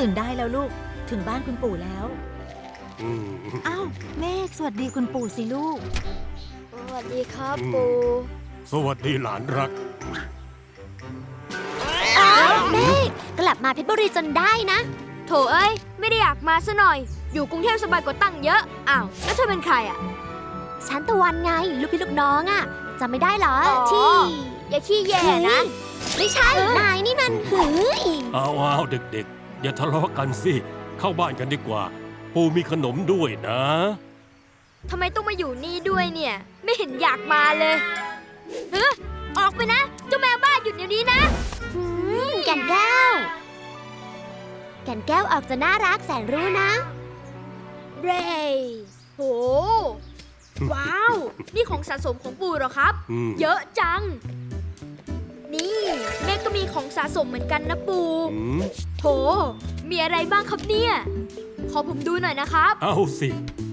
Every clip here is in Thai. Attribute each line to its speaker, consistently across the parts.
Speaker 1: ตื่นได้แล้วลูกถึงบ้านคุณปู่แล้วอ้าวเมฆสวัสดีคุณปู่สิลูก
Speaker 2: สวัสดีครับปู่
Speaker 3: สวัสดีหลานรัก
Speaker 2: อ้าวเมฆกลับมาเพชรบุรีจนได้นะโถเอ้ยไม่ได้อยากมาซะหน่อยอยู่กรุงเทพสบายกว่าตั้งเยอะอ้าวแล้วเธอเป็นใครอ่ะฉันตะวันไงลูกพี่ลูกน้องอ่ะจำไม่ได้เหรอที่อย่าขี้แย่นะไม่ใช่นายนี่มันหือ
Speaker 3: เอาเด็กๆอย่าทะเลาะกันสิเข้าบ้านกันดีกว่าปู่มีขนมด้วยนะ
Speaker 2: ทำไมต้องมาอยู่นี่ด้วยเนี่ยไม่เห็นอยากมาเลยออกไปนะเจ้าแมวบ้าหยุดเดี๋ยวนี้นะแก่นแก้วแก่นแก้วออกจะน่ารักแสนรู้นะเรย์โหว้าวนี่ของสะสมของปู่เหรอครับเยอะจังนี่แม่ก็มีของสะสมเหมือนกันนะปู่โหมีอะไรบ้างครับเนี่ยขอผมดูหน่อยนะครับ
Speaker 3: เอาสิ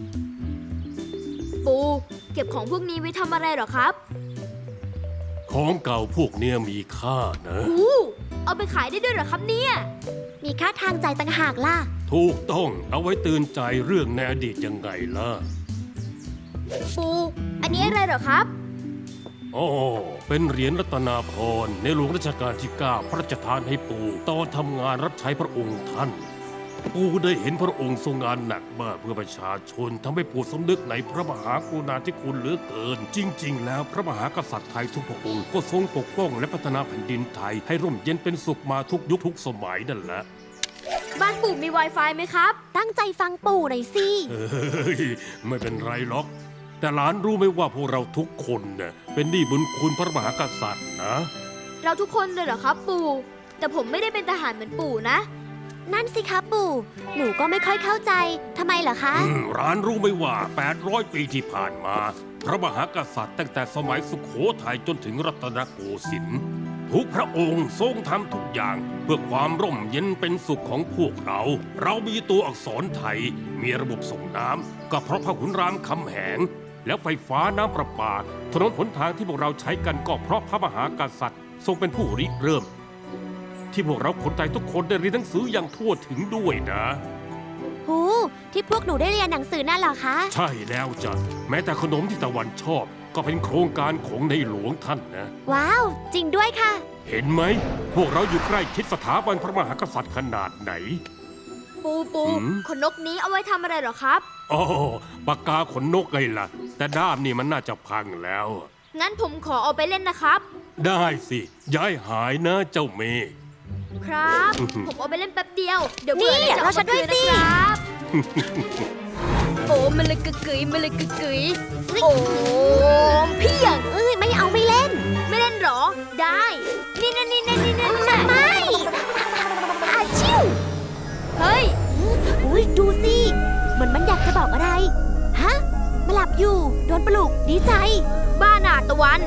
Speaker 2: ปู่เก็บของพวกนี้ไว้ทำอะไรเหรอครับ
Speaker 3: ของเก่าพวกเนี้ยมีค่านะ
Speaker 2: เอาไปขายได้ด้วยเหรอครับเนี่ยมีค่าทางใจต่างหากล่ะ
Speaker 3: ถูกต้องเอาไว้ตื่นใจเรื่องในอดีตยังไงล่ะ
Speaker 2: ปู่อันนี้อะไรเหรอครับ
Speaker 3: อ๋อเป็นเหรียญรัตนาพรในหลวงรัชกาลที่9พระราชทานให้ปู่ตอนทำงานรับใช้พระองค์ท่านปู่ได้เห็นพระองค์ทรงงานหนักมากเพื่อประชาชนทำให้ปู่สำนึกในพระมหากรุณาธิคุณเหลือเกินจริงๆแล้วพระมหากษัตริย์ไทยทุกพระองค์ก็ทรงปกป้องและพัฒนาแผ่นดินไทยให้ร่มเย็นเป็นสุขมาทุกยุคทุกสมัยนั่นแหละ
Speaker 2: บ้านปู่มี Wi-Fi ไหมครับตั้งใจฟังปู่หน่อยสิ
Speaker 3: ไม่เป็นไรหรอกแต่หลานรู้ไหมว่าพวกเราทุกคนเนี่ยเป็นหนี้บุญคุณพระมหากษัตริย์นะ
Speaker 2: เราทุกคนเลยเหรอครับปู่แต่ผมไม่ได้เป็นทหารเหมือนปู่นะนั่นสิครับปู่หนูก็ไม่ค่อยเข้าใจทำไมเหรอคะ
Speaker 3: หลานรู้ไหมว่า800 ปีที่ผ่านมาพระมหากษัตริย์ตั้งแต่สมัยสุโขทัยจนถึงรัตนโกสินทร์ทุกพระองค์ทรงทำทุกอย่างเพื่อความร่มเย็นเป็นสุขของพวกเรามีตัวอักษรไทยมีระบบส่งน้ำก็เพราะพระขุนรามคำแหงแล้วไฟฟ้าน้ำประปาถนนหนทางที่พวกเราใช้กันก็เพราะพระมหากษัตริย์ทรงเป็นผู้ริเริ่มที่พวกเราคนไทยทุกคนได้เรียนหนังสืออย่างทั่วถึงด้วยนะ
Speaker 2: ที่พวกหนูได้เรียนหนังสือนั่นเหรอคะ
Speaker 3: ใช่แล้วจ้ะแม้แต่ขนมที่ตะวันชอบก็เป็นโครงการของในหลวงท่านนะ
Speaker 2: ว้าวจริงด้วยค่ะ
Speaker 3: เห็นไหมพวกเราอยู่ใกล้ชิดสถาบันพระมหากษัตริย์ขนาดไหน
Speaker 2: ปูขนนกนี้เอาไว้ทำอะไรเหรอครับ
Speaker 3: อ๋อปากกาขนนกไงล่ะแต่ด้ามนี่มันน่าจะพังแล้ว
Speaker 2: งั้นผมขอเอาไปเล่นนะครับ
Speaker 3: ได้สิย้ายหายนะเจ้าเมฆ
Speaker 2: ครับผมเอาไปเล่นแป๊บเดียวเดี๋ยวเบื่อจะเอามาคืนนะครับโอ้มันเลยกึกกึ๋ยมันเลยกึกกึ๋ยโอ้พี่อย่างไม่เอาไม่เล่นหรอได้นี่ไม่อาชิวเฮ้ยอุ้ยดูสิมันอยากจะบอกอะไรฮะมาหลับอยู่โดนปลุกดีใจบ้าหนาตะวัน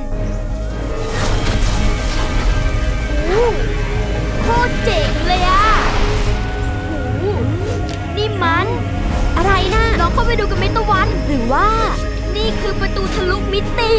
Speaker 2: โคตรเจ๋งเลยอะนี่มันอะไรนะลองเข้าไปดูกันไหมตะวันหรือว่านี่คือประตูทะลุมิติ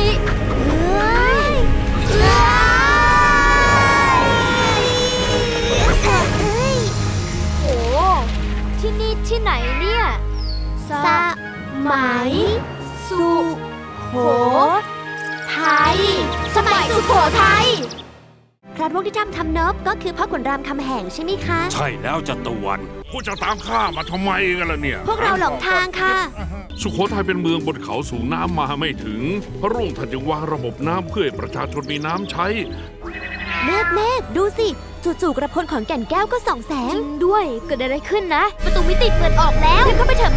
Speaker 2: โอ้ที่นี่ที่ไหนเนี่ยสมัยสุโขทัยสมัยสุโขทัยพระร่วงที่ทำเนิบก็คือพ่อขุนรามคำแหงใช่ไหมคะ
Speaker 3: ใช่แล้วจัตวัน
Speaker 4: พวกจะตามข้ามาทำไมกันล่ะเนี่ย
Speaker 2: พวกเราหลงทางค่ะ
Speaker 4: สุโขทัยเป็นเมืองบนเขาสูงน้ำมาไม่ถึงพระร่วงท่านจึงวางระบบน้ำเพื่อให้ประชาชนมีน้ำใช้
Speaker 2: เมฆดูสิจู่ๆกระพลของแก่นแก้วก็ส่องแสงจริงด้วยเกิดอะไรขึ้นนะประตูมิติเปิดออกแล้วเข้าไปเถอะ